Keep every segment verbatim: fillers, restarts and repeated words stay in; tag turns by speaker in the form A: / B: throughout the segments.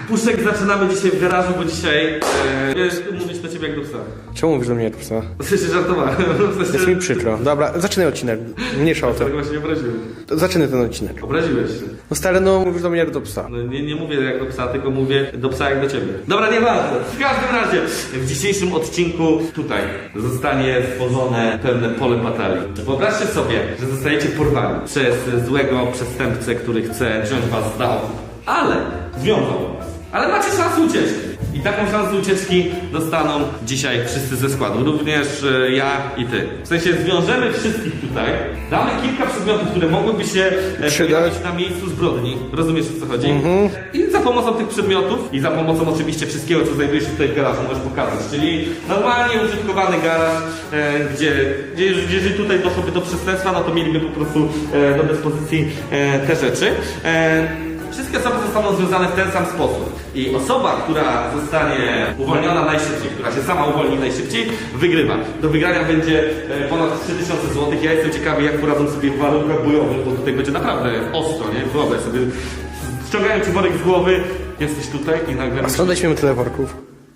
A: Puszek, zaczynamy dzisiaj w garażu, bo dzisiaj e, wiesz, mówić do ciebie jak do psa.
B: Czemu mówisz do mnie jak do psa?
A: W sensie żartowałem. W sensie...
B: Jest mi przykro. Dobra, zaczynaj odcinek. Mniejsza o to.
A: Tego właśnie nie obraziłeś.
B: Zaczynaj ten odcinek.
A: Obraziłeś się.
B: No stary, no mówisz do mnie jak do psa.
A: No, nie, nie mówię jak do psa, tylko mówię do psa jak do ciebie. Dobra, nieważne. W każdym razie, w dzisiejszym odcinku tutaj zostanie stworzone pewne pole batalii. Wyobraźcie sobie, że zostajecie porwani przez złego przestępcę, który chce wziąć was z domu. Ale związał was. Ale macie szansę ucieczki. I taką szansę ucieczki dostaną dzisiaj wszyscy ze składu. Również e, ja i ty. W sensie zwiążemy wszystkich tutaj. Damy kilka przedmiotów, które mogłyby się e, pojawić na miejscu zbrodni. Rozumiesz, o co chodzi? Mm-hmm. I za pomocą tych przedmiotów i za pomocą oczywiście wszystkiego, co znajduje się tutaj w garażu, możesz pokazać. Czyli normalnie użytkowany garaż, e, gdzie, gdzie jeżeli tutaj doszłoby do przestępstwa, no to mieliby po prostu e, do dyspozycji e, te rzeczy. E, Wszystkie osoby zostaną związane w ten sam sposób. I osoba, która zostanie uwolniona najszybciej, która się sama uwolni najszybciej, wygrywa. Do wygrania będzie ponad trzy tysiące złotych. Ja jestem ciekawy, jak poradzą sobie w warunkach bojowych, bo tutaj będzie naprawdę ostro, nie? Wyobraź sobie, ściągają ci worek z głowy, jesteś tutaj i nagle...
B: A skąd weźmiemy tyle worków?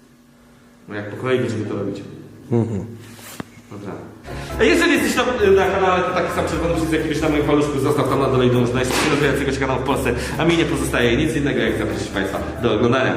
A: No jak po kolei będziemy to robić.
B: Mhm.
A: Dobra. Jeżeli jesteś na, na kanale, to taki sam czerwony przycisk jakiegoś na moim paluszku, zostaw tam na dole i dąż do najszybciej się kanału w Polsce, a mi nie pozostaje nic innego, jak zaprosić Państwa do oglądania.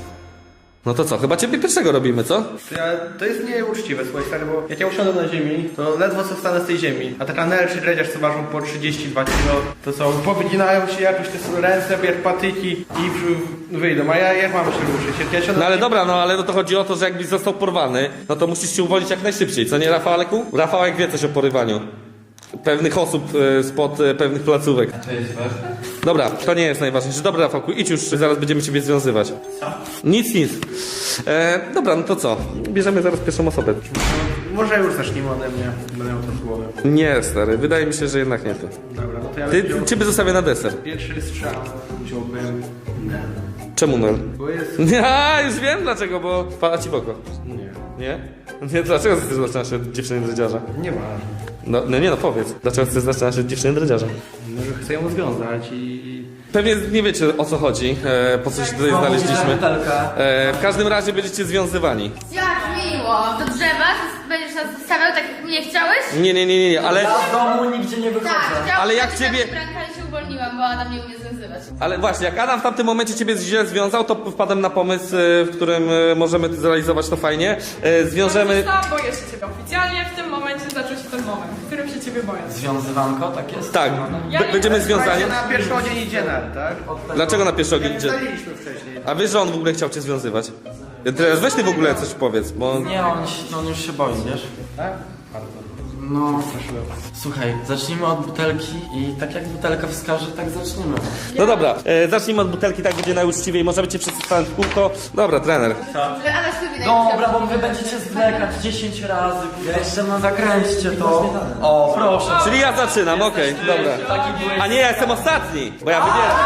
A: No to co, chyba ciebie pierwszego robimy, co?
B: To, ja, to jest nieuczciwe, słuchaj stary, bo jak ja usiądę na ziemi, to ledwo co wstanę z tej ziemi. A taka Nel czy dredziarz, co ważą po trzydzieści dwa kilo, to co, powyginają się jakoś te ręce, jak patyki i wyjdą, a ja jak mam się ruszyć? Ja
A: no ale dobra, no ale no to chodzi o to, że jakbyś został porwany, no to musisz się uwolnić jak najszybciej, co nie Rafałeku? Rafałek wie coś o porywaniu pewnych osób e, spod e, pewnych placówek.
C: A to jest ważne?
A: Dobra, to nie jest najważniejsze. Dobra, Rafałku, idź już, zaraz będziemy ciebie związywać.
C: Co?
A: Nic, nic. E, dobra, no to co? Bierzemy zaraz pierwszą osobę.
B: Może już zacznijmy ode mnie, będę miał to w głowie.
A: Nie, stary, wydaje mi się, że jednak nie ty.
B: Dobra, no to ja
A: Ty,
B: wziął...
A: ciebie zostawię na deser.
B: Pierwszy strzał wziąłbym Nel.
A: Czemu Nel?
B: Bo jest...
A: Ja już wiem dlaczego, bo pada ci w oko.
B: Nie.
A: Nie? Nie, dlaczego chcesz zaczynać się od dziewczyny dredziarza?
B: Nie ma.
A: No, no nie no, powiedz. Dlaczego chcesz zaczynać się od dziewczyny dredziarza?
B: No, że chcę ją związać i...
A: Pewnie nie wiecie o co chodzi, e, po co się tutaj znaleźliśmy. E, w każdym razie będziecie związywani.
D: Jak miło! Do drzewa? To będziesz nas zostawiał tak jak mnie chciałeś?
A: Nie, nie, nie, nie, nie, ale...
C: Ja z domu nigdzie nie wychodzę.
D: Tak, chciałam
A: Ale jak
D: zostawić
A: ciebie-
D: na brankę, ale się uwolniłam, bo Adam nie umie związywać.
A: Ale właśnie, jak Adam w tamtym momencie ciebie źle związał, to wpadłem na pomysł, e, w którym e, możemy zrealizować to fajnie. E, zwiążemy...
E: Sam boję się ciebie oficjalnie, w tym momencie zaczął się ten moment, w którym się ciebie boję.
C: Związywanko, tak jest?
A: Tak,
E: Ja
A: b-
E: nie-
A: będziemy związani.
B: Na pierwszy odzień idzie Nel, tak?
A: Dlaczego na pierwszy ogień idzie?
B: Ustaliliśmy wcześniej.
A: A wiesz, że on w ogóle chciał cię związywać? Teraz weź ty w ogóle coś powiedz, bo...
C: Nie, on, się- on już się boi, wiesz?
B: Tak? Bardzo.
C: No, słuchaj, zacznijmy od butelki i tak jak butelka wskaże, tak zaczniemy.
A: No dobra, e, zacznijmy od butelki, tak będzie najuczciwiej. Możemy cię wszyscy stanąć w kółko. Dobra, trener.
D: Że Adam sobie
C: Dobra, bo wy będziecie zwlekać dziesięć razy. Jeszcze no zakręćcie to. O, proszę.
A: Czyli ja zaczynam, okej, dobra.
C: Taki byłeś.
A: A nie, ja jestem ostatni, bo ja wybieram.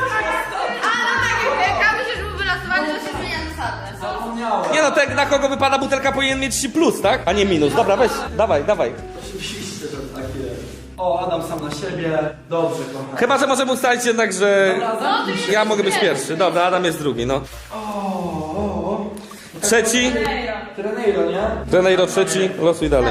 D: Adam tak jak kawy się, żeby wylosowali, że się zmienia zasady.
C: Zapomniałem.
A: Nie no, tak na kogo wypada butelka powinien mieć plus, tak? A nie minus. Dobra, weź, dawaj, dawaj.
C: Oczywiście, że tak jest. O, Adam sam na siebie. Dobrze, kochany.
A: Chyba, że możemy ustalić jednak, że
C: Dobra, zamknij się.
A: ja mogę być pierwszy. Dobra, Adam jest drugi, no.
C: O, o.
A: Trzeci,
C: Treneiro, nie?
A: Treneiro trzeci, losuj dalej.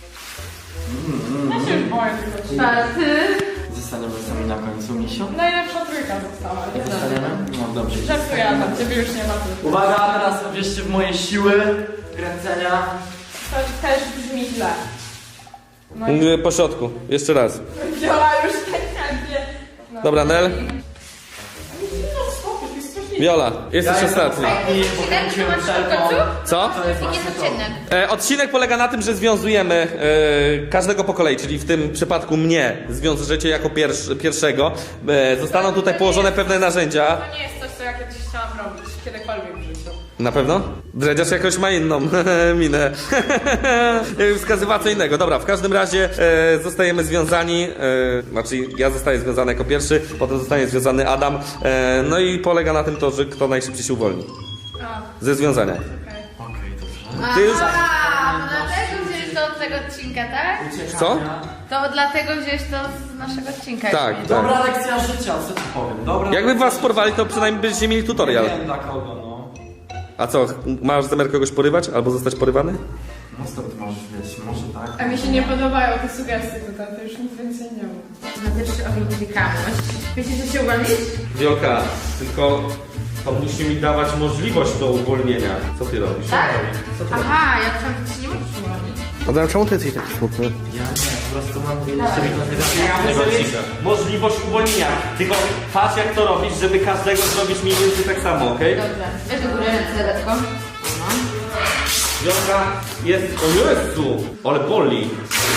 E: Ja się już boję tylko.
D: Czwarty.
C: Zostaniemy sami na końcu, misiu.
E: Najlepsza trójka została.
C: Zostaniemy? No dobrze.
E: Żartuję Adam, ciebie już nie ma tu.
C: Uwaga, teraz wierzcie w moje siły kręcenia.
E: To też brzmi źle. No i
A: Y, Po środku, jeszcze raz.
E: Wiola już tak chętnie. No.
A: Dobra, Nel.
E: No spokój, to jest strasznie.
A: Viola, jesteś ostatni.
C: I
D: Odcinek, to
C: pokręciłem
D: masz w
C: wszelką.
D: końcu?
A: Co?
C: To jest
D: Jaki jest
C: właśnie to.
D: odcinek?
A: E, odcinek polega na tym, że związujemy e, każdego po kolei, czyli w tym przypadku mnie zwiążecie jako pierwsz, pierwszego. E, zostaną tutaj położone pewne narzędzia.
E: To nie jest coś, co ja kiedyś chciałam robić, kiedykolwiek w życiu.
A: Na pewno? Dredziarz jakoś ma inną minę. Jakby wskazywała co innego. Dobra, w każdym razie e, zostajemy związani. E, znaczy ja zostaję związany jako pierwszy, potem zostanie związany Adam. E, no i polega na tym to, że kto najszybciej się uwolni.
E: A,
A: Ze związania.
E: okej.
C: Okej, dobrze.
A: Ty już...
D: A, to dlatego wzięliśmy to od tego odcinka, tak?
A: Co?
D: To dlatego wziąłeś to z naszego odcinka.
A: Tak,
D: już.
A: tak.
C: Dobra lekcja życia, co ci powiem. Dobra
A: Jakby
C: lekcja
A: was porwali, to przynajmniej byście mieli tutorial.
C: Nie wiem dla kogo, no.
A: A co, masz zamiar kogoś porywać albo zostać porywany?
C: No stąd możesz wiedzieć, może tak.
E: A mi się nie podobają te sugestie tutaj, to już nic więcej nie mów.
D: Na pierwszy ogień wykamość. Wiecie, że się uwolnić?
A: Wiolka, tylko to musi mi dawać możliwość do uwolnienia. Co ty robisz?
D: Tak? Aha, ja myślałam, że ci nie możesz uwolnić.
B: Adam, czemu ty jesteś taki smutny?
C: Ja nie, po prostu mam
A: Ja muszę mieć możliwość uwolnienia. Tylko patrz jak to robisz, żeby każdego zrobić mniej więcej tak samo, okej?
D: Dobrze. Weź do góry ręce, lekko. No.
A: Wiolka jest... O Jezu! Ale boli.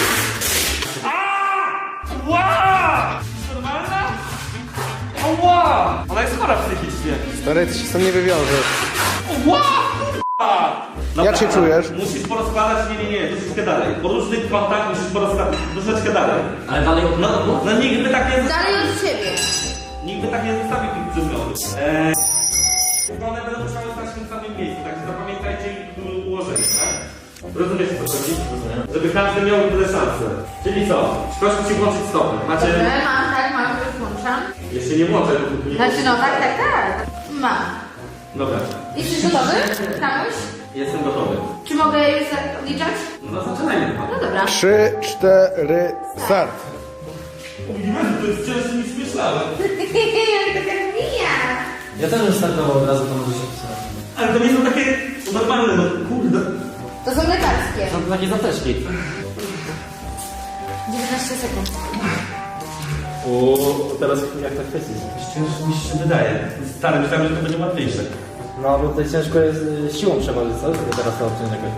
A: Ła! Normalna? Ła! Ona jest chora psychicznie.
B: Stary, ty się stąd nie wywiążesz.
A: Ła! Dobra,
B: Jak się czujesz?
A: Musisz porozkładać, nie, nie, nie, troszeczkę dalej. Po różnych kątach musisz porozkładać, troszeczkę dalej.
C: Ale dalej od...
A: No, no nikt by tak nie zostawił.
D: Dalej od siebie.
A: Nikt by tak nie zostawił tych przedmiotów. Eee, one będą musiały stać w tym samym miejscu, także zapamiętajcie ich ułożenie, tak? Rozumiesz co chodzi? Żeby każdy miał tyle szansę. Czyli co? Proszę ci włączyć stopy. Macie...
D: Dobrze, mam, tak, mam, już włączam.
A: Jeszcze nie włączę. Nie
D: Znaczy, no tak, tak, tak. Mam.
A: Dobra,
D: Jesteś gotowy? Kamuś?
A: jestem gotowy.
D: Czy mogę już za- odliczać?
A: No zaczynajmy.
D: No dobra.
B: Trzy, cztery, start.
A: To jest cięższe niż myślałem.
D: Taka mija.
C: Ja też bym startował od razu, to może się pisać.
A: Ale to nie są takie normalne, no kurde.
D: To są lekarskie.
C: Są to takie zateczki.
D: dziewiętnaście sekund.
A: O, teraz jak tak kwestia jest cięższe niż się wydaje. Stary, myślałem, że to będzie łatwiejsze.
C: No, bo tutaj ciężko jest y, siłą przeważyć, co? Tylko teraz to obciąć jakoś.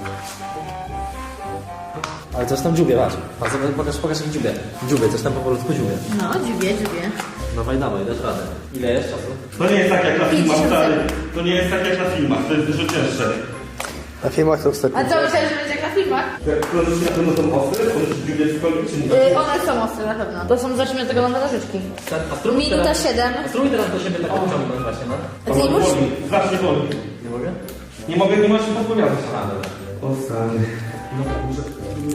C: Ale coś tam dziubie, patrz. Patrz, pokaż, pokaż jak dziubie. Dziubie, coś tam powolutku dziubie.
D: No, dziubię, dziubię.
C: Dawaj, dawaj, dasz radę. Ile jest czasu?
A: To nie jest tak jak na filmach,
D: pięćdziesiąt
A: stary.
D: sekund.
A: To nie jest tak jak na filmach, to jest dużo cięższe.
B: Na filmach to wstępnie.
D: A co, myślałeś, że będzie jak na filmach?
A: Jak kończysz na pewno są ostre, to musisz dziubiać cokolwiek, czy nie?
D: Yy, one są ostre na pewno. To są, zacznijmy od tego na nożyczki.
C: A spróbuj
D: Minuta
C: teraz-
D: siedem.
C: A spróbuj teraz do siebie tak pociągnąć właśnie, no.
D: A ty nie możesz?
A: Boli, strasznie boli.
C: Nie mogę?
A: Nie mogę, nie możesz się podpowiadać. O stary. No tak, muszę...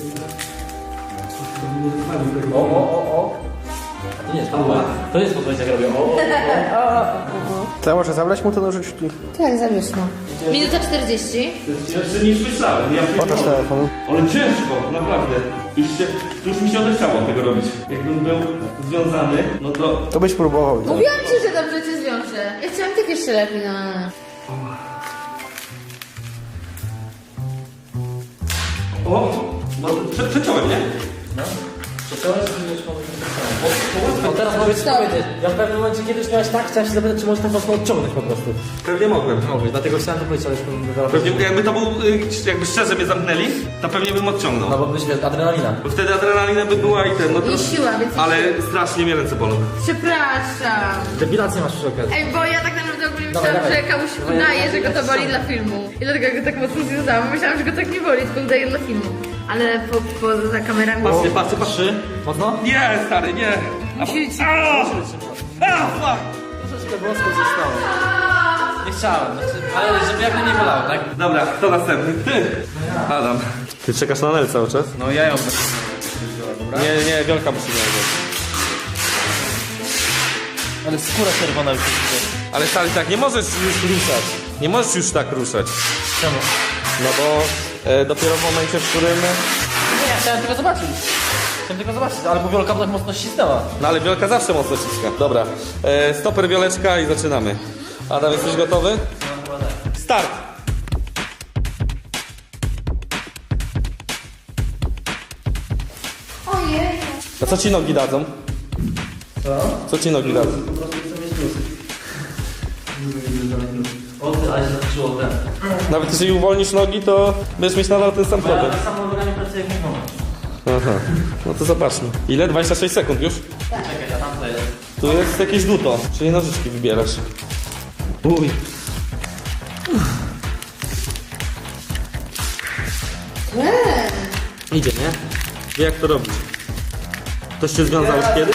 C: O, o, o, o. A to nie jest podpowiedź. To jest podpowiedź, jak robię. O, o, o.
B: To ja może zabrać mu te nożyczki?
D: Tak, zabierz no. Minuta czterdzieści.
A: To jest cięższe niż myślałem. Ja
B: Pokaż
A: pierdolę.
B: telefon.
A: Ale ciężko, naprawdę. Już, się, już mi się odechciało tego robić. Jakbym był związany, no to...
B: To byś próbował.
D: Mówiłam ci, że dobrze cię zwiążę. Ja chciałam tak jeszcze lepiej, no.
A: O, no, prze, przeciąłem, nie?
C: No. Przeciąłeś, czy już mogę? O, teraz powiedz,
D: Stop.
C: powiedzieć. Ja w pewnym momencie kiedyś miałeś tak, chciałem się zapytać, czy możesz tak mocno odciągnąć po prostu.
A: Pewnie mogłem.
C: Mogłeś, dlatego chciałem to powiedzieć, ale już powiem zaraz.
A: Pewnie jakby to był, y, jakby szczerze mnie zamknęli, to pewnie bym odciągnął.
C: No bo byś wiesz, adrenalina.
A: Bo wtedy adrenalina by była i ten, no to...
D: I siła, więc...
A: Ale strasznie mnie ręce bolą.
D: Przepraszam.
C: Depilację masz przy okazji.
D: Ej, bo ja tak naprawdę ogólnie
C: Dawaj,
D: myślałam,
C: dawaj.
D: że komuś
C: Dawaj,
D: udaje,
C: dawaj,
D: że go to
C: dawaj.
D: boli dla filmu. I dlatego go tak mocno związałam. Myślałam, że go tak nie boli, tylko udaje dla filmu. Ale po, poza kamerami...
A: Patrzcie, patrzcie, patrzcie.
C: Mocno?
A: Nie, stary, nie.
D: Musi ci...
A: A, a, fuck.
C: Troszeczkę włosku zostało. Nie chciałem, znaczy, ale żeby jak nie bolało, tak?
A: Dobra, kto następny? Ty. Adam. Ty czekasz na Nel cały czas?
B: No ja ją
A: Nie, nie, Wielka musi mieć.
C: Ale skóra czerwona już jest.
A: Ale stary, tak, nie możesz już ruszać. Nie możesz już tak ruszać.
C: Czemu?
A: No bo e, dopiero w momencie, w którym...
C: Nie, chciałem tylko zobaczyć. Chciałem tylko zobaczyć, ale bo Wiolka tak mocno ścisnęła.
A: No ale Wiolka zawsze mocno ściska. Dobra, e, stoper Wioleczka i zaczynamy. Adam, jesteś gotowy? Start!
D: Ojej.
A: A co ci nogi dadzą?
C: Co?
A: Co ci nogi dadzą?
C: Po prostu chcę mieć plus. O ty, ale się zaczęło ten.
A: Nawet jeżeli uwolnisz nogi, to będziesz mieć nadal ten sam
C: Bo ja
A: problem.
C: tak samo nogami pracuję jak mój moment.
A: Aha, no to zobaczmy. Ile? dwadzieścia sześć sekund już?
C: Czekaj, a tam to jest.
A: Tu jest jakieś duto, czyli nożyczki wybierasz. Uj.
D: Eee.
A: Idzie, nie? Wie jak to robić. Ktoś się związał już kiedyś?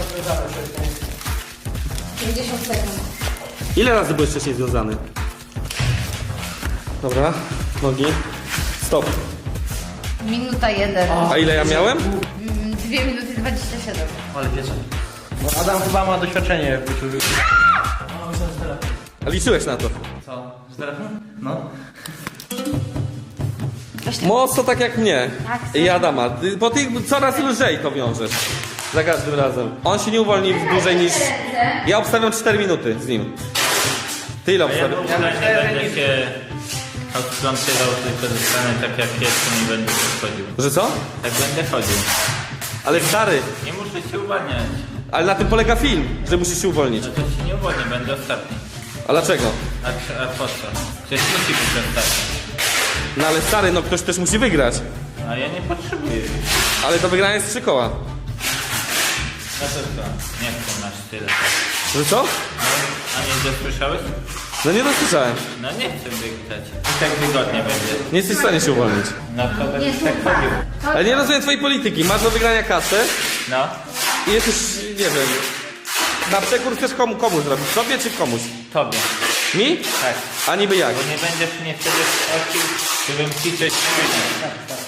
D: pięćdziesiąt sekund.
A: Ile razy byłeś wcześniej związany? Dobra, nogi. Stop.
D: Minuta jeden.
A: A ile ja miałem?
D: Mm, Dwie minuty dwadzieścia siedem.
C: Ale wiecie.
B: Bo Adam chyba ma doświadczenie w byciu...
A: A liczyłeś na to.
C: Co? Z telefon? No.
A: Mocno tak jak mnie.
D: Tak,
A: I Adama. Ty- Bo ty coraz lżej to wiążesz. Za każdym razem. On się nie uwolni dłużej niż... Ja obstawiam cztery minuty z nim. Ty ile
F: A ja
A: obstawiasz?
F: w ogóle nie będę się odplątywał, tylko zostanę tak jak jestem i będę chodził.
A: Że co?
F: Tak będę chodził.
A: Ale stary,
F: Nie muszę się uwalniać.
A: ale na tym polega film, że musisz się uwolnić.
F: No to się nie uwolnię, będę ostatni.
A: A dlaczego?
F: A, czy- a po co? Przecież musi być ostatni.
A: No ale stary, no ktoś też musi wygrać.
F: A ja nie potrzebuję.
A: Ale do wygrania jest trzy koła.
F: No to co? Nie chcę masz tyle.
A: Że co?
F: No, a nie dosłyszałeś?
A: No nie dosłyszałem.
F: No nie chcę wygrać. I tak wygodnie będzie.
A: Nie jesteś w stanie się uwolnić.
F: No to będę
D: Nie,
F: tak
D: słuchaj.
F: chodził.
A: Ale nie rozumiem twojej polityki. Masz do wygrania kasę
F: No.
A: i jesteś, nie wiem, na przekór chcesz komu, komu zrobić? Sobie czy komuś?
F: Tobie.
A: Mi?
F: Tak.
A: A niby jak?
F: Bo nie będziesz mnie wtedy prosił, żebym ci coś przyniósł.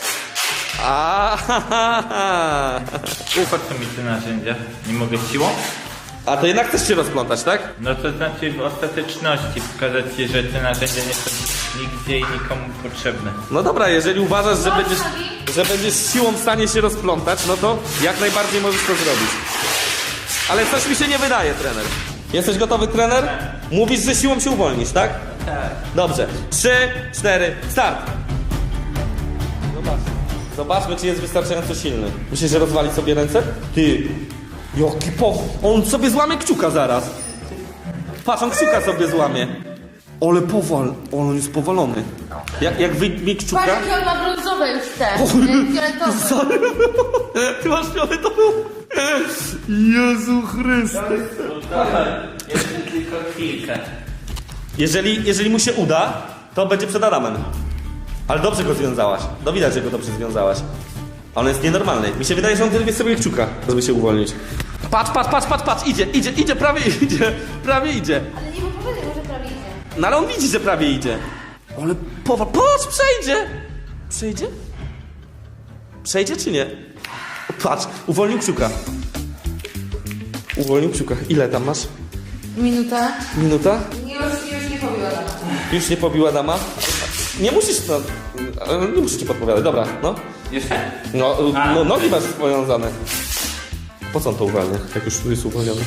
A: A,
F: Po co mi te narzędzia? Nie mogę siłą?
A: a to jednak chcesz się rozplątać, tak?
F: No to znaczy w ostateczności pokazać ci, że te narzędzia nie są nigdzie i nikomu potrzebne.
A: No dobra, jeżeli uważasz, że będziesz, że będziesz siłą w stanie się rozplątać, no to jak najbardziej możesz to zrobić. Ale coś mi się nie wydaje, trener. Jesteś gotowy, trener? Mówisz, że siłą się uwolnisz, tak?
F: Tak.
A: Dobrze. Trzy, cztery, start! Zobacz. Zobaczmy, czy jest wystarczająco silny. Myślisz, że rozwali sobie ręce? Ty, jaki po... On sobie złamie kciuka zaraz. Patrz, on kciuka sobie złamie. Ale powal... On jest powalony. Jak, jak wyjmie kciuka...
D: Patrz, jaki on ma brązowe już te. e, Fioletowe.
A: Sorry. Ty masz fioletową. Jezu Chryste.
F: Jeszcze tylko chwilkę.
A: Jeżeli, jeżeli mu się uda, to będzie przed Adamem. Ale dobrze go związałaś. No widać, że go dobrze związałaś. A on jest nienormalny. Mi się wydaje, że on tylko sobie kciuka, żeby się uwolnić. Patrz, patrz, patrz, patrz, patrz, idzie, idzie, idzie, prawie idzie, prawie idzie.
D: Ale nie mu powiedział, że prawie idzie.
A: No ale on widzi, że prawie idzie. Ale powal, patrz, przejdzie. Przejdzie? Przejdzie czy nie? Patrz, uwolnił kciuka. Uwolnił kciuka. Ile tam masz?
D: Minuta.
A: Minuta?
D: Już, już nie pobiła.
A: Już nie pobiła dama? Nie musisz, no, nie muszę ci podpowiadać, dobra, no.
F: Jeszcze?
A: No,
F: A.
A: no nogi masz powiązane. Po co on to uwalnia, jak już jest uwolniony?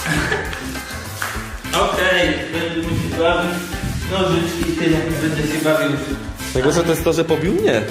F: Okej, będę musiał bawić nożyczki i tyle. Będę się bawił.
A: Najgorsze to jest to, że pobił mnie.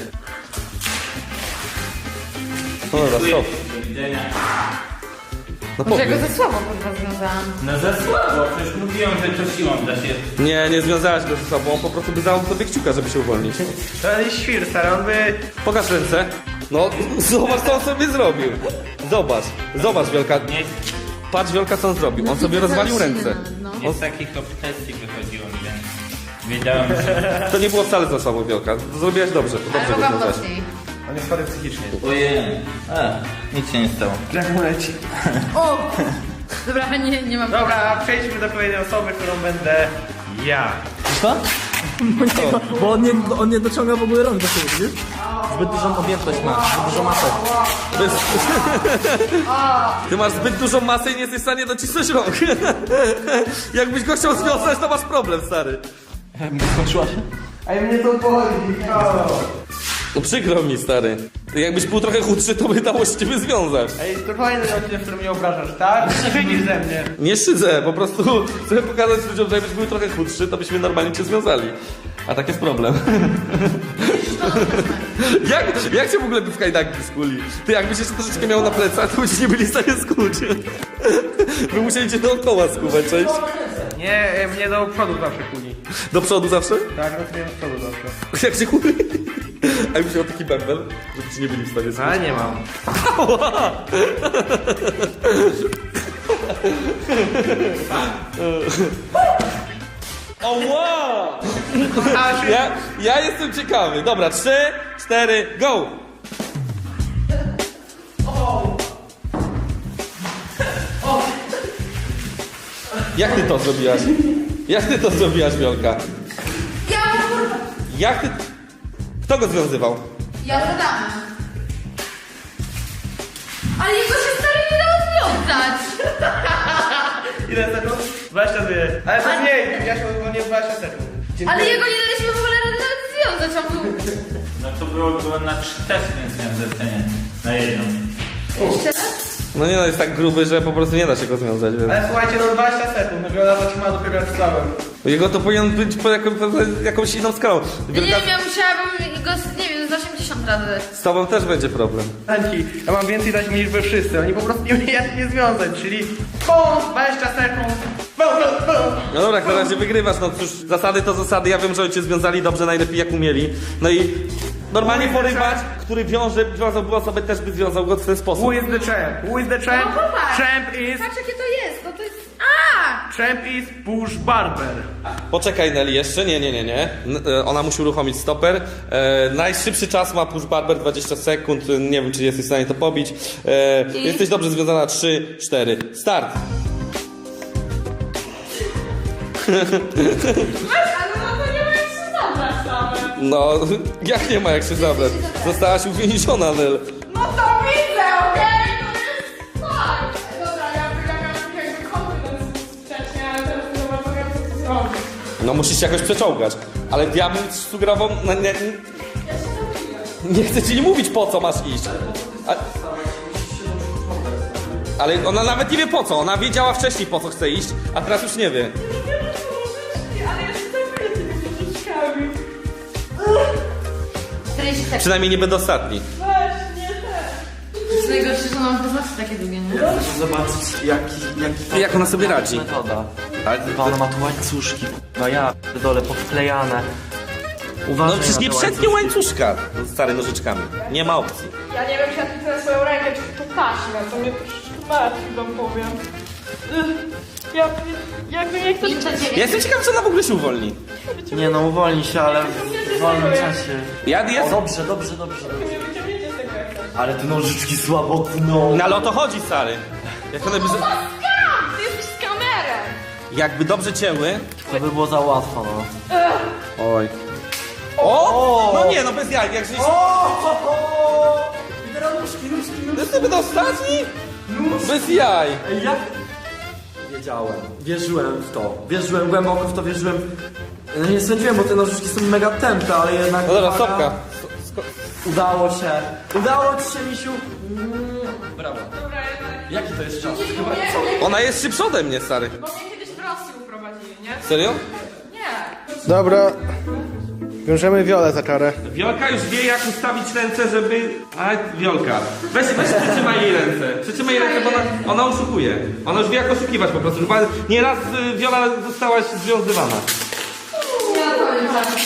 A: No dobra, stop.
F: Do widzenia.
A: No
D: Może ja
A: pobił.
D: go za słabo kurwa związałam.
F: No za słabo, przecież mówiłem, że to siłą da się.
A: Nie, nie związałaś go ze sobą, on po prostu by dał sobie kciuka, żeby się uwolnić.
B: To jest świr, stary, on by...
A: Pokaż ręce. No, zobacz co on sobie zrobił. Zobacz, zobacz Wielka.
F: Nie
A: Patrz Wielka co on zrobił, on sobie rozwalił ręce.
D: No.
F: nie z takich obsesji wychodziło mi, więc wiedziałem, że...
A: To nie było wcale za słabo Wielka, zrobiłaś dobrze,
D: Ale
A: dobrze go
D: mogłam
A: związałaś.
D: mocniej.
B: On jest chory psychicznie.
F: Ojej. A, nic się nie stało.
B: Jak mu leci.
D: O! Dobra, nie, nie mam
B: Dobra, przejdźmy do kolejnej osoby, którą będę ja.
C: Co? Bo on nie, on nie dociąga w ogóle rąk do siebie, widzisz? Zbyt dużą objętość ma, zbyt dużo masę.
A: To jest... Ty masz zbyt dużą masę i nie jesteś w stanie docisnąć rąk. Jakbyś go chciał związać, to masz problem, stary.
C: Skończyła się?
B: A mnie to boli,
A: No przykro mi, stary. Jakbyś był trochę chudszy, to by dało się ciebie związać.
B: Ej, to kolejny odcinek, w którym mnie obrażasz, tak? Szydzisz ze mnie.
A: Nie szydzę, po prostu chcę pokazać ludziom, że jakbyś był trochę chudszy, to byśmy normalnie cię związali. A tak jest problem. jak, jak cię w ogóle by w kajdanki skuli? Ty jakbyś jeszcze troszeczkę miał na plecach, to byście nie byli w stanie skuć. By musieli cię dookoła skuwać, cześć.
B: Nie, e, mnie do przodu zawsze kuli.
A: Do przodu zawsze?
B: Tak, no to mnie do przodu zawsze.
A: Jak się kuli? A jakbyś miał taki bębel, żeby ci nie byli w stanie skuć.
B: Ale nie mam.
A: O wow! Ja, ja jestem ciekawy. Dobra, trzy, cztery, go! Jak ty to zrobiłaś? Jak ty to zrobiłaś, Wiolka?
D: Ja kurwa!
A: Jak ty... Kto go związywał?
D: Ja zadam. Ale jego się stary nie da rozwiązać.
B: Ile sekund? dwadzieścia dwa. Ale to mniej, ja się nie dwadzieścia sekund. Dziękuję.
D: Ale jego nie daliśmy w ogóle rady nawet związać, a był...
F: No to było, było na trzy też, więc miałem zlecenie. Na jedną.
D: Jeszcze raz?
A: No nie no, jest tak gruby, że po prostu nie da się go związać, więc...
B: Ale słuchajcie, no dwadzieścia sekund, no Wiola zatrzymała dopiero jak sławem.
A: Jego to powinien być po jaką, po jakąś inną skalą.
D: Nie
A: Wielka...
D: wiem, ja musiałabym go, z- nie wiem, z osiemdziesiąt razy.
A: Z tobą też będzie problem.
B: Anci, ja mam więcej dać niż wy wszyscy, oni po prostu nie umieją jak nie związać, czyli bum, dwadzieścia sekund, bum, bum, bum.
A: No dobra, na razie wygrywasz, no cóż, zasady to zasady, ja wiem, że oni cię związali dobrze, najlepiej jak umieli. No i normalnie porywacz, który wiąże, wiązałby osobę, też by związał go w ten sposób.
B: Who is the champ? Who is the champ?
D: No popatrz.
B: Champ is...
D: Patrz jakie to jest, no to jest... A!
B: Champ is Bush Barber.
A: Poczekaj Nelly, jeszcze? Nie, nie, nie, nie. N- e, ona musi uruchomić stoper. E, najszybszy czas ma Push Barber, dwadzieścia sekund. Nie wiem, czy jesteś w stanie to pobić. E,
D: I?
A: Jesteś dobrze związana. trzy, cztery. Start!
E: Ale no to nie ma jak się zabrać same.
A: No, jak nie ma jak się zabrać? Zostałaś uwięziona, Nel.
E: No to widzę, okej? To jest fakt. Dobra, ja ja miałam jakby confidence wcześniej, ale teraz nie zobaczyłem, co tu zrobić.
A: No musisz się jakoś przeczołgać. Ale ja bym sugerował... No, nie,
E: Ja się zabiję.
A: nie chcę ci mówić, po co masz iść. A... Ale ona nawet nie wie po co. Ona wiedziała wcześniej, po co chce iść, a teraz już nie wie.
E: Ale ja się zabiję tymi różyczkami.
D: czterdzieści sekund.
A: Przynajmniej nie będę ostatni.
E: Weź, nie te.
D: To jest najgorsze, że mam poznaczy takie długie, nie?
G: Zobaczyć jaki, jaki
A: Jak ona sobie radzi?
G: metoda.
A: Ale
G: Chyba ona ma tu łańcuszki, no ja dole powklejane.
A: no
G: Uważaj
A: przecież
G: na
A: nie
G: te
A: przetnie
G: łańcuszki.
A: łańcuszka z stary nożyczkami. Nie ma opcji.
E: Ja nie wiem, czy ja tu swoją rękę, czy to taśmę, to mnie troszeczkę martwi, wam powiem. Ugh. Ja jakby nie chcę...
D: Minta
A: Ja
D: dziewięć.
A: jestem ciekaw, czy ona w ogóle się uwolni.
G: Nie no, uwolnij się, ale w wolnym czasie.
A: Ja
G: O,
A: jest...
G: dobrze, dobrze, dobrze.
E: Nie wyciągniecie z tego jak chcę.
G: Ale te nożyczki słabo tną.
A: No ale o to chodzi, stary. Jak one by...
E: Skam! Ty jesteś z kamerą!
A: Jakby dobrze cięły...
G: To by było za łatwo, no.
A: Oj. O! No nie, no bez jaj, jak się...
G: I teraz nóżki, nóżki,
A: To jest niby ostatni? Bez jaj.
G: Ej, jak? Wiedziałem, wierzyłem w to. Wierzyłem głęboko w to, wierzyłem. No nie sądziłem, bo te nożyczki są mega tępe, ale jednak...
A: No dobra,
G: uwaga,
A: stopka.
G: Udało się. Udało ci się, misiu. Mm, brawo.
E: Dobra, jednak...
G: Jaki to jest czas?
E: Nie,
G: Chyba
E: nie, nie,
A: Ona jest szybsza ode mnie, stary.
E: bo mnie kiedyś w Rosji uprowadzili, nie?
A: Serio?
E: Nie.
B: Dobra, wiążemy Wiolę za czarę.
A: Wiolka już wie, jak ustawić ręce, żeby... A, Wiolka. Weź, weź przytrzymaj jej ręce. Przytrzymaj jej ręce, bo ona, ona oszukuje. Ona już wie, jak oszukiwać po prostu. Chyba nieraz y, Wiola zostałaś związywana.
D: Ja powiem zaraz.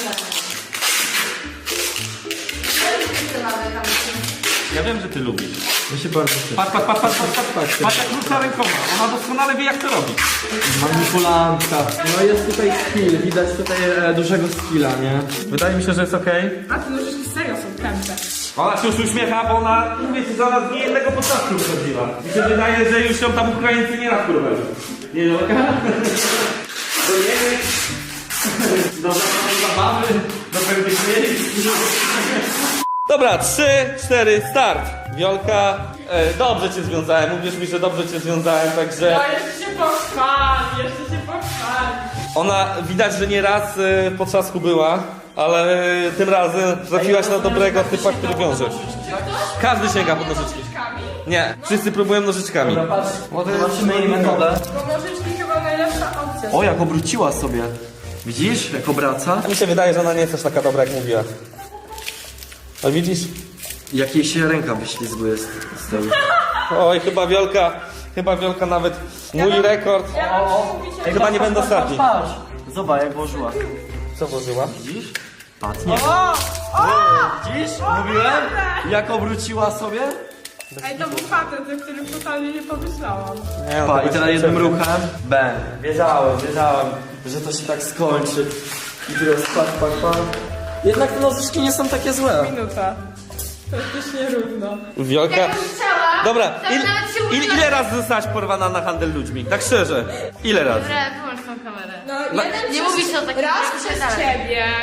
A: Ja wiem, że ty lubisz.
G: My się bardzo cieszę.
A: Patrz, patrz, patrz, patrz, patrz, patrz. Patrz, jak rusza rękoma. Ona doskonale wie, jak to robić.
G: Manipulantka. No jest tutaj skill, widać tutaj e, dużego skilla, nie? Wydaje mi się, że jest okej.
E: A te nożyczki serio są tępe.
A: Ona się już uśmiecha, bo ona, mówię ci, że ona z niejednego początku wychodziła. Mi się wydaje, że już ją tam Ukraińcy nie raz kurwali. Nie, Wiolka? Do Niemiec. Do zabawy. Do pewnych miejsc. Dobra, trzy, cztery, start. Wiolka, e, dobrze cię związałem, mówisz mi, że dobrze cię związałem, także
E: No jeszcze się pochwali, jeszcze się pochwali.
A: ona widać, że nie raz e, w potrzasku była, ale e, tym razem trafiłaś na dobrego typa, który wiąże. Każdy sięga po nożyczki.
E: Nożyczkami?
A: Nie, wszyscy próbują nożyczkami.
G: Dobra, patrz, zobaczymy jej metodę.
E: Bo nożyczki chyba najlepsza opcja.
G: O, jak obróciła sobie. Widzisz, jak obraca?
A: A mi się wydaje, że ona nie jest aż taka dobra, jak mówiła. A widzisz?
G: Jak jej się ręka wyślizguje z, z tej...
A: Oj, chyba Wiolka, chyba Wiolka nawet mój rekord.
E: Ja mam mówić, jak...
A: Chyba nie będę ostatni.
G: Patrz, zobacz jak włożyła.
A: Co włożyła?
G: Widzisz? Patrz, nie.
E: O! O!
G: Widzisz? Mówiłem? Jak obróciła sobie?
E: Ej, to był patent, o którym totalnie nie pomyślałam.
A: Nie, no,
G: Pa,
A: to
G: i teraz
A: będzie
G: jednym
A: przerwa.
G: ruchem. Bang. Wiedziałem, wiedziałem, że to się tak skończy. I teraz pak, pak, pak. Jednak te nożyczki nie są takie złe.
E: Minuta. To jest też nierówno.
A: Wiolka.
D: Jakbym chciała,
A: Dobra,
D: to
A: il,
D: nawet się
A: il,
D: używa-
A: ile razy zostałaś porwana na handel ludźmi? Tak szczerze. Ile razy?
D: Dobra, wyłącz tą kamerę.
E: No,
A: No,
E: jeden
D: nie
E: przez-
D: mówić o takim
E: Raz
D: rzeczach,
E: przez
D: dalej.
E: ciebie,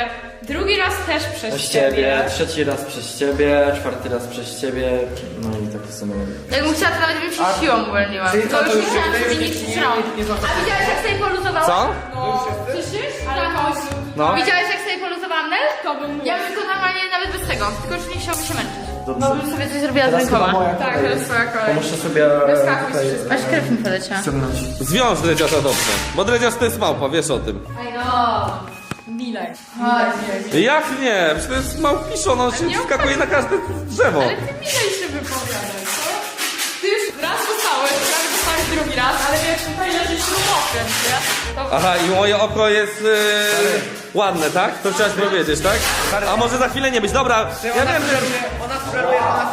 E: drugi raz też przez,
G: Przez ciebie, trzeci raz przez ciebie, czwarty raz przez ciebie, no i tak w sumie.
D: Jakbym chciała, to nawet bym się siłą uwolniła.
B: Czyli
D: To
B: co,
D: już
B: to
D: nie
B: już
D: chciałam
B: jest-
D: sobie
B: nie-
D: nic
B: nie-
D: przyciąć.
B: nie zostało.
D: A widziałeś jak sobie poluzowałam?
A: Co?
E: No,
D: Słyszysz?
E: ale końcu.
A: No.
D: Widziałeś jak sobie poluzowałam Nel?
E: To bym mógł.
D: Ja bym to normalnie nawet bez tego, tylko już nie chciałabym się męczyć.
G: Dobrze.
D: No bym sobie coś zrobiła z
G: Teraz chyba
D: rękoma.
G: moja
E: Tak,
G: kolej.
E: to jest twoja
G: To
E: kolej.
G: muszę sobie
E: Wyskakuj
G: tutaj
E: z
D: Aż krew mi poleciała.
G: ściągnąć.
A: Zwiąż dredziarza dobrze, bo dredziarz to jest małpa, wiesz o tym.
D: I know.
E: Milej.
D: Chodź.
A: Jak nie? Przecież to jest małpiszon, on się
E: nie
A: wskakuje na każde drzewo.
E: Ale ty milej się wypowiadaj, co? Ty już raz dostałeś, prawie dostałeś drugi raz, ale wiesz, tutaj leży śrubokręt, nie? To...
A: Aha, i moje oko jest yy, ładne, tak? To chciałaś powiedzieć, tak? A może za chwilę nie być. Dobra, ja
B: Ona
A: wiem, że...
B: sugeruje, ona sugeruje, ona...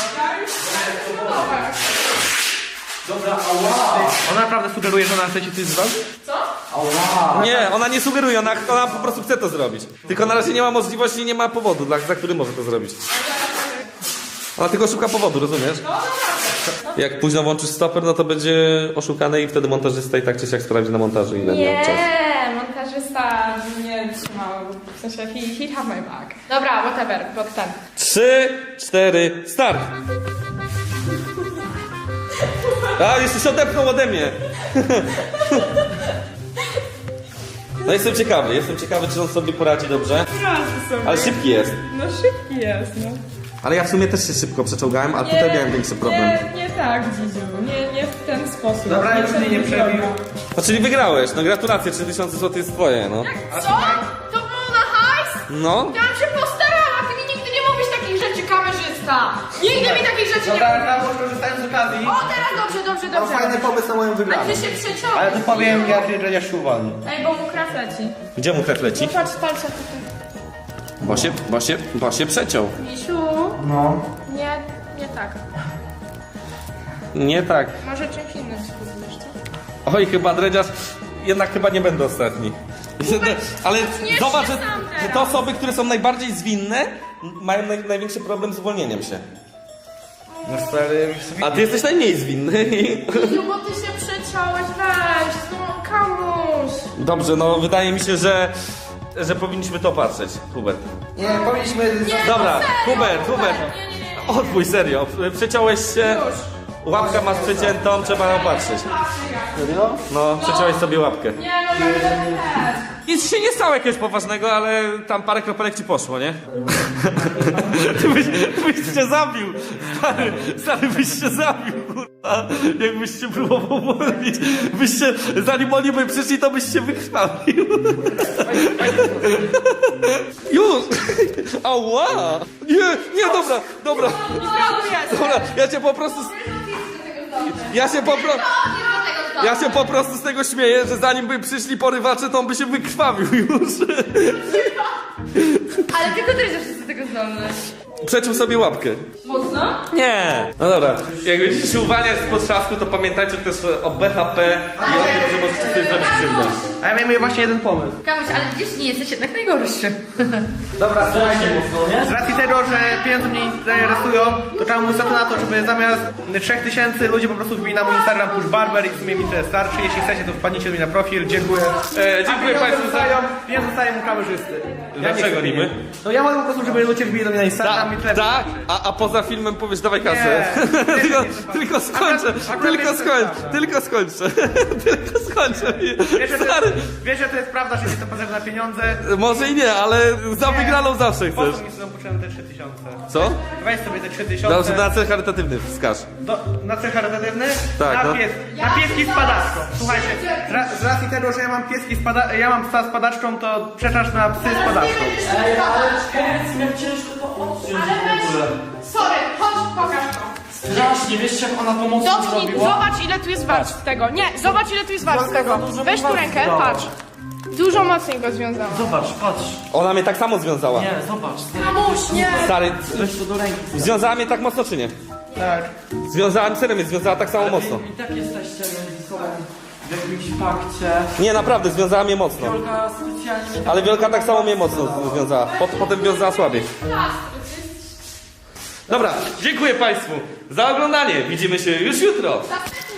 B: Ona naprawdę sugeruje, że ona chce ci coś zrobić?
A: Nie, ona nie sugeruje, ona, ona po prostu chce to zrobić. Tylko na razie nie ma możliwości i nie ma powodu, dla, za który może to zrobić. Ona tylko szuka powodu, rozumiesz? Jak późno włączysz stoper, no to będzie oszukane i wtedy montażysta i tak czy siak sprawdzi na montażu, ile miał czas.
E: Nie, montażysta nie trzymał, w sensie he, he'd have my back. Dobra, whatever, blok ten.
A: Trzy, cztery, start! A, jeszcze się odepnął ode mnie. No jestem ciekawy, jestem ciekawy, czy on sobie poradzi dobrze.
E: Razy sobie.
A: Ale szybki jest.
E: No szybki jest, no.
A: Ale ja w sumie też się szybko przeczołgałem, a tutaj miałem większy problem.
E: Nie, nie tak, Dzidziu, nie, nie w ten sposób.
B: Dobra, już mnie nie przebił.
A: A czyli wygrałeś, no gratulacje, trzy tysiące złotych jest twoje, no.
D: Co? To było na hajs?
A: No.
D: Ja bym się postarała, ty mi nigdy nie mówisz takich rzeczy, kamerzysta. Nigdy mi takich rzeczy nie
B: Dobra,
D: mówisz.
B: ja może korzystając z okazji.
D: O, teraz dobrze, dobrze,
B: Mam
D: dobrze.
B: fajny pomysł na moją
D: A
B: wygraną.
D: ty się przeciąłeś.
B: Ale to powiem, jak dredziarz się uwolni.
E: Ej, bo mu krew leci.
A: Gdzie mu krew leci?
E: Patrz palce tutaj.
A: Bo się, bo się, bo się przeciął.
E: Misiu,
B: No.
E: nie, nie tak.
A: Nie tak.
E: Może czymś innym spróbujesz, co?
A: Oj, chyba dredziarz, jednak chyba nie będę ostatni. Ale
E: zaczniesz
A: zobacz,
E: się
A: że,
E: sam
A: że
E: teraz.
A: te osoby, które są najbardziej zwinne, mają naj, największy problem z uwolnieniem się.
B: No stary,
A: A ty jesteś najmniej zwinny.
E: No bo ty się przeciąłeś, weź, no kamuś.
A: Dobrze, no wydaje mi się, że, że powinniśmy to patrzeć, Hubert.
B: nie, powinniśmy...
A: Dobra, Hubert, Hubert.
E: Nie, nie, nie.
A: Odbój, serio. Przeciąłeś się, łapkę masz przeciętą, trzeba ją patrzeć.
B: Serio?
A: No, przeciąłeś sobie łapkę.
E: Nie, no ja też.
A: Nic się nie stało jakiegoś poważnego, ale tam parę kropelek ci poszło, nie? Ty byś, ty byś się zabił. Stary, stary byś się zabił, kurwa. Jakbyś się próbował uwolnić. Byś się, zanim oni by przyszli, to byś się wykrwawił. Już! Ała! Nie, nie, dobra, dobra. Dobra, ja cię po prostu... Ja się po prostu... Ja się po prostu z tego śmieję, że zanim by przyszli porywacze, to on by się wykrwawił już.
D: Ale tylko ty jesteś do tego zdolny.
A: Przeciął sobie łapkę.
E: Mocno?
A: Nie. No dobra, jak będziecie się uwalniać z potrzasku, to pamiętajcie też o B H P i o tym, że możecie sobie zrobić krzywdę.
B: A ja miałem właśnie jeden pomysł.
D: Kamuś, ale widzisz, nie jesteś jednak najgorszy.
B: Dobra, słuchajcie, z racji tego, że pieniądze mnie interesują, to trzeba mówić na to, żeby zamiast trzech tysięcy ludzi po prostu wbili na mój Instagram Push Barber i w sumie mi tyle starczy. Jeśli chcecie, to wpadnijcie do mnie na profil. Dziękuję.
A: E, dziękuję
B: A
A: Państwu
B: pieniądze
A: za...
B: dostają, pieniądze dostają mu kamerzysty. Ja nie
A: Dlaczego
B: chcę
A: niby?
B: pieniędzy. No ja mogę po prostu, żeby ludzie wbili do mnie na Instagram
A: Tak,
B: i tyle.
A: tak, a, a poza filmem powiesz dawaj kasę.
B: Nie, nie,
A: tylko,
B: nie, nie,
A: tylko skończę,
B: Akurat- akurat
A: tylko
B: jest to
A: skończę,
B: prawda.
A: tylko skończę, tylko skończę.
B: Wiesz, że to
A: Stary,
B: jest, wiesz, że to jest prawda, że mi to potrzebne na pieniądze.
A: może i nie, ale za
B: Nie.
A: wygraną zawsze
B: Po
A: chcesz.
B: co mi są potrzebne te trzy tysiące?
A: Co?
B: Weź sobie te trzy
A: Dobrze,
B: tysiące.
A: na cel charytatywny wskaż.
B: Do, na cel charytatywny?
A: Tak,
B: na,
A: no.
B: pies, na pieski z padaczką. Słuchajcie, z, ra, z racji tego, że ja mam pieski z pada, ja mam psa z padaczką, to przeczasz na psy z padaczką.
G: Ej, ale powiedz mi, jak ciężko to odciąć w ogóle.
E: Sorry, chodź, pokaż to.
G: Strasznie, wiesz jak ona to mocno
E: Dotknij,
G: zrobiła?
E: zobacz ile tu jest warstw z tego. Nie, zobacz ile tu jest warstw z tego.
G: dużo
E: Weź tu
G: warstw
E: rękę,
G: dała.
E: patrz. Dużo mocniej go związałam.
G: Zobacz, patrz.
A: Ona mnie tak samo związała.
G: Nie, zobacz.
E: Mamuś, nie.
A: Stary,
G: Weź to do ręki.
A: związała mnie tak mocno czy nie?
B: Tak.
A: Związała, serio mnie związała tak samo mocno.
G: I tak jesteście między sobą w jakimś pakcie.
A: Nie, naprawdę, związała mnie mocno.
G: Wiolka specjalnie mnie
A: Ale Wielka tak samo mnie mocno związała. Pot, potem wiązała słabiej. Dobra, dziękuję Państwu za oglądanie. Widzimy się już jutro.